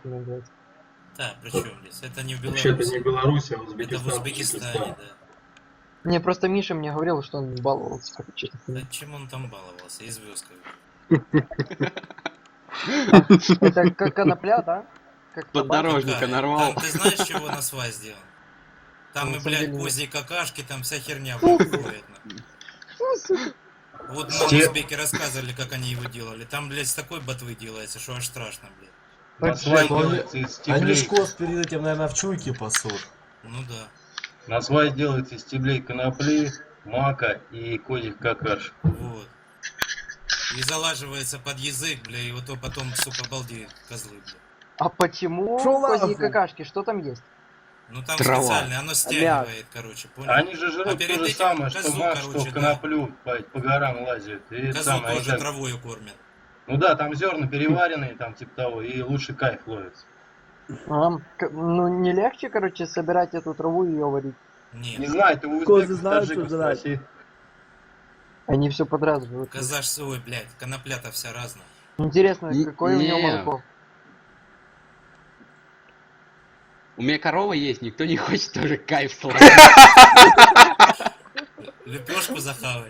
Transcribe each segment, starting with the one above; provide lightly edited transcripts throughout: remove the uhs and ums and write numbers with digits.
охуенно делать. Да, причем здесь? Это не в Вообще-то не Беларуси. Беларусь, а Это в Узбекистан, Узбекистане, Таджикистан. да. Не, просто Миша мне говорил, что он баловался, как честно Да сказать. чем он там баловался? И звездкой. А, это как конопля, да? Как табак? Поддорожника Какая? нарвал. Там ты знаешь, чего на свай сделан? Там На и, самом блядь, деле нет. козьи какашки, там вся херня, блядь, входит. Фу, сука. Вот нам Сте- узбеки рассказывали, как они его делали. Там, блядь, с такой ботвы делается, что аж страшно, блядь. На Так свай же. делается из Они ж стеблей. коз перед этим, наверное, в чуйке пасут. Ну да. На свай делается из стеблей конопли, мака и козьих какаш. Вот. И залаживается под язык, бля, и вот то потом, сука, балдеют козлы, бля. А почему Шо козьи нахуй? какашки? Что там есть? Ну там Трава. специально, оно стягивает, короче, понял? Они же жрут А то перед же этим самое, что козу, мак, что короче, да. коноплю по горам лазят. И это Козу самое, они тоже так- травою кормят. Ну да, там зерна переваренные, там типа того, и лучше кайф ловится. Ну, не легче, короче, собирать эту траву и ее варить. Не Нет, знаю, ты у Козы узбеков, знают, что таджиков жрать. спроси. Они все подряд живут. коза ж свой, блядь, конопля-то вся разная. Интересно, Н- какое у него не. молоко? У меня корова есть, никто не хочет тоже кайф словить. Лепешку захавать.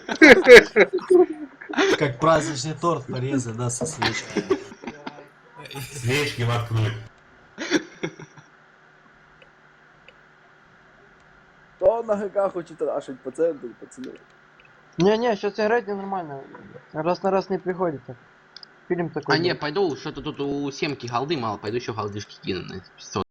Как праздничный торт порезать, да, со свечкой. Свечки воткнуть. Кто на ГК хочет рашить по центру, пацаны? Не-не, сейчас играть нормально. Раз на раз не приходится. Фильм такой. А не, был. пойду, что-то тут у Семки голды мало, пойду еще голдышки кину на 500.